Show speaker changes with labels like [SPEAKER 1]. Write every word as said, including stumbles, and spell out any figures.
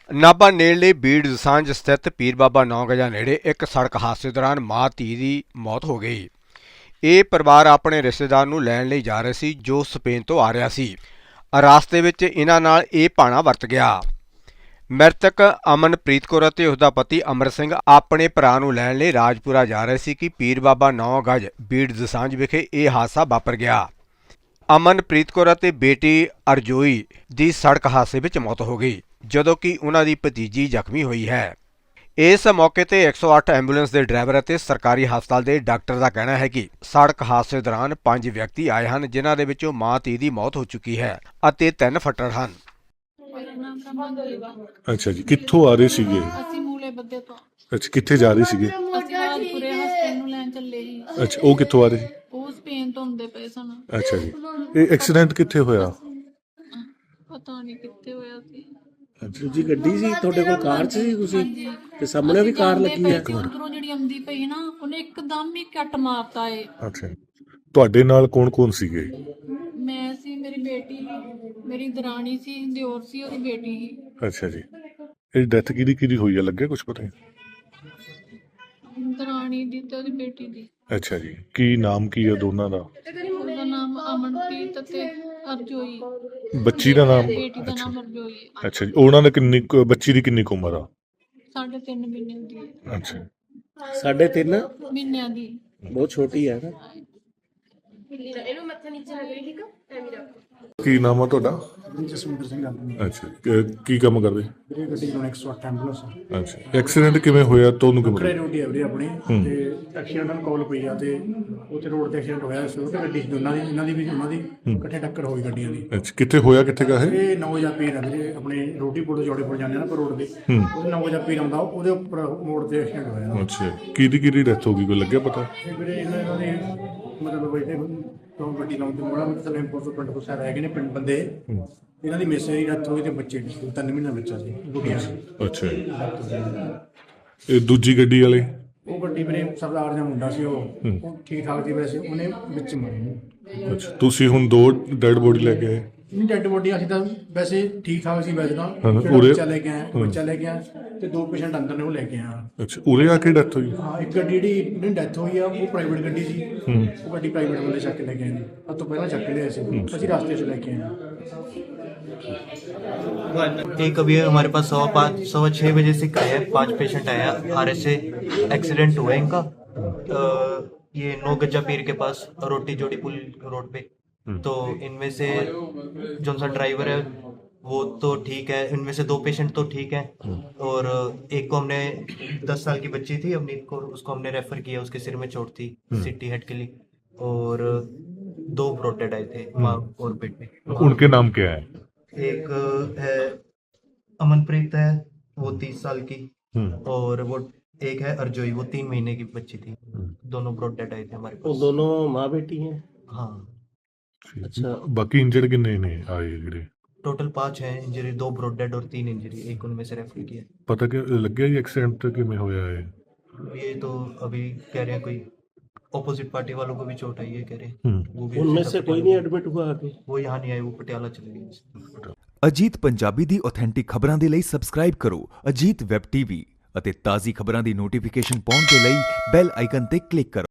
[SPEAKER 1] ਨਾਭਾ ਨੇੜਲੇ ਬੀੜ ਦਸਾਂਝ ਸਥਿਤ ਪੀਰ ਬਾਬਾ ਨੌ ਗਜਾ ਨੇੜੇ ਇੱਕ ਸੜਕ ਹਾਦਸੇ ਦੌਰਾਨ ਮਾਂ ਧੀ ਦੀ ਮੌਤ ਹੋ ਗਈ। ਇਹ ਪਰਿਵਾਰ ਆਪਣੇ ਰਿਸ਼ਤੇਦਾਰ ਨੂੰ ਲੈਣ ਲਈ ਜਾ ਰਿਹਾ ਸੀ ਜੋ ਸਪੇਨ ਤੋਂ ਆ ਰਿਹਾ ਸੀ। ਰਾਸਤੇ ਵਿੱਚ ਇਹਨਾਂ ਨਾਲ ਇਹ ਭਾਣਾ ਵਰਤ ਗਿਆ। ਮ੍ਰਿਤਕ ਅਮਨਪ੍ਰੀਤ ਕੌਰ ਅਤੇ ਉਸਦਾ ਪਤੀ ਅਮਰ ਸਿੰਘ ਆਪਣੇ ਭਰਾ ਨੂੰ ਲੈਣ ਲਈ ਰਾਜਪੁਰਾ ਜਾ ਰਹੇ ਸੀ ਕਿ ਪੀਰ ਬਾਬਾ ਨੌ ਗਜ ਬੀੜ ਦਸਾਂਝ ਵਿਖੇ ਇਹ ਹਾਦਸਾ ਵਾਪਰ ਗਿਆ। ਅਮਨਪ੍ਰੀਤ ਕੌਰ ਅਤੇ ਬੇਟੀ ਅਰਜੋਈ ਦੀ ਸੜਕ ਹਾਦਸੇ ਵਿੱਚ ਮੌਤ ਹੋ ਗਈ, ਜਦੋਂ ਕਿ ਉਹਨਾਂ ਦੀ ਭਤੀਜੀ ਜ਼ਖਮੀ ਹੋਈ ਹੈ। ਇਸ ਮੌਕੇ ਤੇ ਇੱਕ ਸੌ ਅੱਠ ਐਂਬੂਲੈਂਸ ਦੇ ਡਰਾਈਵਰ ਅਤੇ ਸਰਕਾਰੀ ਹਸਪਤਾਲ ਦੇ ਡਾਕਟਰ ਦਾ ਕਹਿਣਾ ਹੈ ਕਿ ਸੜਕ ਹਾਦਸੇ ਦੌਰਾਨ ਪੰਜ ਵਿਅਕਤੀ ਆਏ ਹਨ, ਜਿਨ੍ਹਾਂ ਦੇ ਵਿੱਚੋਂ ਮਾਂ ਧੀ ਦੀ ਮੌਤ ਹੋ ਚੁੱਕੀ ਹੈ ਅਤੇ ਤਿੰਨ ਫੱਟੜ ਹਨ।
[SPEAKER 2] ਅੱਛਾ ਜੀ, ਕਿੱਥੋਂ ਆ ਰਹੇ ਸੀਗੇ?
[SPEAKER 3] ਅਸੀਂ ਮੂਲੇ ਬੱਦੇ ਤੋਂ।
[SPEAKER 2] ਅੱਛਾ, ਕਿੱਥੇ ਜਾ ਰਹੇ ਸੀਗੇ?
[SPEAKER 3] ਅਸੀਂ ਰਾਜਪੁਰੇ ਹਸਪਤਾਲ ਨੂੰ ਲੈਣ ਚੱਲੇ ਸੀ।
[SPEAKER 2] ਅੱਛਾ, ਉਹ ਕਿੱਥੋਂ ਆ ਰਹੇ ਸੀ?
[SPEAKER 3] ਉਹ ਸਪੇਨ ਤੋਂ ਹੁੰਦੇ ਪਏ ਸਨ।
[SPEAKER 2] ਅੱਛਾ ਜੀ, ਇਹ ਐਕਸੀਡੈਂਟ ਕਿੱਥੇ ਹੋਇਆ?
[SPEAKER 3] ਪਤਾ ਨਹੀਂ ਕਿੱਥੇ ਹੋਇਆ ਸੀ।
[SPEAKER 4] ਦੂਜੀ ਗੱਡੀ ਸੀ ਤੁਹਾਡੇ ਕੋਲ, ਕਾਰ 'ਚ ਸੀ ਤੁਸੀਂ? ਤੇ ਸਾਹਮਣੇ ਵੀ ਕਾਰ ਲੱਗੀ ਹੈ।
[SPEAKER 3] ਉਧਰੋਂ ਜਿਹੜੀ ਆਉਂਦੀ ਪਈ ਨਾ, ਉਹਨੇ ਇੱਕਦਮ ਹੀ ਕੱਟ ਮਾਰਤਾ ਏ।
[SPEAKER 2] ਅੱਛਾ, ਤੁਹਾਡੇ ਨਾਲ ਕੌਣ ਕੌਣ ਸੀਗੇ?
[SPEAKER 3] ਮੈਂ ਸੀ, ਮੇਰੀ ਬੇਟੀ, ਮੇਰੀ ਦਰਾਣੀ ਸੀ, ਦਿਓਰ ਸੀ, ਉਹਦੀ ਬੇਟੀ ਸੀ।
[SPEAKER 2] ਅੱਛਾ ਜੀ, ਇਹ ਡੈਥ ਕਿਹਦੀ ਕਿਹਦੀ ਹੋਈ ਹੈ, ਲੱਗਿਆ ਕੁਝ ਪਤਾ?
[SPEAKER 3] ਦਰਾਣੀ ਦੀ ਤੇ ਉਹਦੀ ਬੇਟੀ ਦੀ।
[SPEAKER 2] ਅੱਛਾ ਜੀ, ਕੀ ਨਾਮ ਕੀ ਹੈ ਦੋਨਾਂ ਦਾ?
[SPEAKER 3] ਉਹਦਾ ਨਾਮ ਅਮਨਪ੍ਰੀਤ ਤੇ ਅਰਜੋਈ।
[SPEAKER 2] ਬੱਚੀ ਦਾ ਨਾਮ?
[SPEAKER 3] ਬੇਟੀ ਦਾ ਨਾਮ ਅਰਜੋਈ।
[SPEAKER 2] ਅੱਛਾ ਜੀ, ਉਹਨਾਂ ਨੇ ਕਿੰਨੀ ਕੁ- ਬੱਚੀ ਦੀ ਕਿੰਨੀ ਕੁ ਉਮਰ ਆ?
[SPEAKER 3] ਸਾਢੇ ਤਿੰਨ ਮਹੀਨੇ ਦੀ ਹੈ।
[SPEAKER 2] ਅੱਛਾ,
[SPEAKER 4] ਸਾਢੇ ਤਿੰਨ
[SPEAKER 3] ਮਹੀਨਿਆਂ ਦੀ।
[SPEAKER 4] ਬਹੁਤ ਛੋਟੀ ਹੈ ਨਾ।
[SPEAKER 2] ਕੀ ਨਾਮ ਆ ਤੁਹਾਡਾ?
[SPEAKER 5] ਜਸਵਿੰਦਰ ਸਿੰਘ ਗੱਲ ਨਹੀਂ।
[SPEAKER 2] ਅੱਛਾ, ਕ- ਕੀ ਕੰਮ ਕਰਦੇ?
[SPEAKER 5] ਵੀਰੇ ਗੱਡੀ ਚਲਾਉਣ ਇੱਕ ਸੌ ਅੱਠ ਐਂਬੂਲੈਂਸ
[SPEAKER 2] ਅੱਛਾ, ਐਕਸੀਡੈਂਟ ਕਿਵੇਂ ਹੋਇਆ ਤੁਹਾਨੂੰ
[SPEAKER 5] ਖੜੇ
[SPEAKER 2] ਕਿਵੇਂ?
[SPEAKER 5] ਰੋਡ ਹੀ ਹੈ ਵੀਰੇ ਆਪਣੀ, ਤੇ ਐਕਸੀਡੈਂਟ ਨੂੰ ਕਾਲ ਪਈ ਆ ਤੇ ਉੱਥੇ ਰੋਡ ਤੇ ਐਕਸੀਡੈਂਟ ਹੋਇਆ ਸੀ। ਉਹ ਗੱਡੀ ਸੀ ਦੋਨਾਂ ਦੀ, ਇਹਨਾਂ ਦੀ ਵੀ ਉਹਨਾਂ ਦੀ ਇਕੱਠੇ ਟੱਕਰ ਹੋਈ ਗੱਡੀਆਂ ਦੀ।
[SPEAKER 2] ਅੱਛਾ, ਕਿੱਥੇ ਹੋਇਆ, ਕਿੱਥੇ ਗਾ ਇਹ?
[SPEAKER 5] ਇਹ ਨੌ ਵਜੇ ਪੀਰ ਆ ਵੀਰੇ, ਆਪਣੇ ਰੋਟੀ ਪੁਲ ਤੋਂ ਜੋੜੇ ਪੁਲ ਜਾਂਦੇ ਆ ਨਾ ਪਰ ਰੋਡ ਦੇ, ਉਹਦੇ ਨੌ ਵਜੇ ਪੀਰ ਆਉਂਦਾ, ਉਹਦੇ ਉੱਪਰ ਮੋੜ ਤੇ ਐਕਸੀਡੈਂਟ ਹੋਇਆ।
[SPEAKER 2] ਅੱਛਾ, ਕਿਹਦੀ ਕਿਹਦੀ ਡੈਥ ਹੋ ਗਈ, ਕੋਈ ਲੱਗਿਆ ਪਤਾ?
[SPEAKER 5] ਤੇ ਵੀਰੇ ਇਹਨਾਂ ਇਹਨਾਂ ਦੇ ਮਤਲਬ ਬੈਠੇ ਤੋਂ ਗੱਡੀ ਲਾਉਣ ਤੇ ਮੋੜਾ ਮਤਲਬ ਇੰਪੋਰਟ ਤੋਂ ਪਿੰਡ ਤੋਂ ਸਾਰੇ ਹੈਗੇ ਨੇ ਪਿੰਡ ਬੰਦੇ। ਇਹਨਾਂ ਦੀ ਮਿਸੇ ਦੀ ਡੈਥ ਹੋਈ ਤੇ ਬੱਚੇ ਦੀ ਤਿੰਨ ਮਹੀਨਾ ਬੱਚਾ ਸੀ, ਗੁੱਡੀਆਂ ਸੀ।
[SPEAKER 2] ਅੱਛਾ ਜੀ, ਇਹ ਦੂਜੀ ਗੱਡੀ ਵਾਲੇ?
[SPEAKER 5] ਉਹ ਗੱਡੀ ਮੇਰੇ ਸਰਦਾਰ ਦਾ ਮੁੰਡਾ ਸੀ, ਉਹ ਉਹ ਠੀਕ ਠਾਕ ਸੀ ਵੈਸੇ, ਉਹਨੇ ਵਿੱਚ ਮਾਰੀ।
[SPEAKER 2] ਅੱਛਾ, ਤੁਸੀਂ ਹੁਣ ਦੋ ਡੈਡ ਬੋਡੀ ਲੈ ਕੇ ਆਏ?
[SPEAKER 5] ਨਹੀਂ, ਡੈਡ ਬੋਡੀ ਅਸੀਂ ਤਾਂ ਵੈਸੇ ਠੀਕ ਠਾਕ ਸੀ ਵੈਸੇ ਤਾਂ।
[SPEAKER 2] ਹਾਂ,
[SPEAKER 5] ਜਿਹੜਾ
[SPEAKER 2] ਉਰੇ-
[SPEAKER 5] ਬੱਚਾ ਲੈ ਕੇ ਆਇਆ, ਬੱਚਾ ਲੈ ਕੇ ਆਇਆ ਤੇ ਦੋ ਪੇਸ਼ੈਂਟ ਅੰਦਰ ਨੇ, ਉਹ ਲੈ ਕੇ ਆਇਆ।
[SPEAKER 2] ਅੱਛਾ, ਉਰੇ ਆ ਕੇ ਡੈਥ ਹੋਈ?
[SPEAKER 5] ਹਾਂ, ਇੱਕ ਗੱਡੀ ਜਿਹੜੀ ਜਿਹੜੀ ਡੈਥ ਹੋਈ ਆ ਉਹ ਪ੍ਰਾਈਵੇਟ ਗੱਡੀ ਸੀ। ਉਹ ਗੱਡੀ ਪ੍ਰਾਈਵੇਟ ਬੰਦੇ ਚੱਕ ਕੇ ਲੈ ਕੇ ਆਏ ਨੇ, ਅੱਜ ਤੋਂ ਪਹਿਲਾਂ ਚੱਕ ਕੇ ਲਿਆਏ ਸੀ, ਅਸੀਂ ਰਸਤੇ 'ਚ ਲੈ ਕੇ ਆਏ ਹਾਂ।
[SPEAKER 6] एक अभी हमारे पास सवा पाँच सवा छः बजे से का है, पांच पेशेंट आया आर एस से एक्सीडेंट हुआ है इनका। अ, ये नौ गज्जा पीर के पास रोटी जोड़ी पुल रोड पे। तो इनमें से जो सा ड्राइवर है वो तो ठीक है, इनमें से दो पेशेंट तो ठीक है, और एक को हमने दस साल की बच्ची थी अवनीत को, उसको हमने रेफर किया, उसके सिर में चोट थी सिटी हेड के लिए, और दो ब्रोटेड आए थे माँ और बेटे।
[SPEAKER 2] उनके नाम क्या है?
[SPEAKER 6] एक है अमनप्रीत है, वो तीस साल की, और वो एक है अर्जोई, वो तीन महीने की बच्ची थी। दोनों ब्रॉड डेड आए थे हमारे
[SPEAKER 4] वो
[SPEAKER 6] पास।
[SPEAKER 4] दोनों माँ बेटी हैं।
[SPEAKER 6] हाँ,
[SPEAKER 4] अच्छा,
[SPEAKER 2] बाकी इंजर्ड कितने ने आए ਜਿਹੜੇ?
[SPEAKER 6] टोटल पांच है इंजरी, दो ब्रॉड डेड और तीन इंजरी, एक उनमें से रेफर किया।
[SPEAKER 2] ਪਤਾ ਕਿ ਲੱਗਿਆ ਜੀ ਐਕਸੀਡੈਂਟ ਕਿਵੇਂ ਹੋਇਆ ਹੈ?
[SPEAKER 6] ये तो अभी कह रहे हैं कोई ऑपोजिट पार्टी वालों को भी चोट आई है कह रहे हैं। वो भी
[SPEAKER 4] उनमें से कोई नहीं एडमिट हुआ आगे?
[SPEAKER 6] वो यहाँ नहीं आए, वो पटियाला चले गए।
[SPEAKER 7] ਅਜੀਤ ਪੰਜਾਬੀ ਦੀ ਆਥੈਂਟਿਕ ਖਬਰਾਂ ਦੇ ਲਈ ਸਬਸਕ੍ਰਾਈਬ ਕਰੋ ਅਜੀਤ ਵੈਬ ਟੀਵੀ ਅਤੇ ਤਾਜ਼ੀ ਖਬਰਾਂ ਦੀ ਨੋਟੀਫਿਕੇਸ਼ਨ ਪਾਉਣ ਦੇ ਲਈ ਬੈਲ ਆਈਕਨ ਤੇ ਕਲਿੱਕ ਕਰੋ।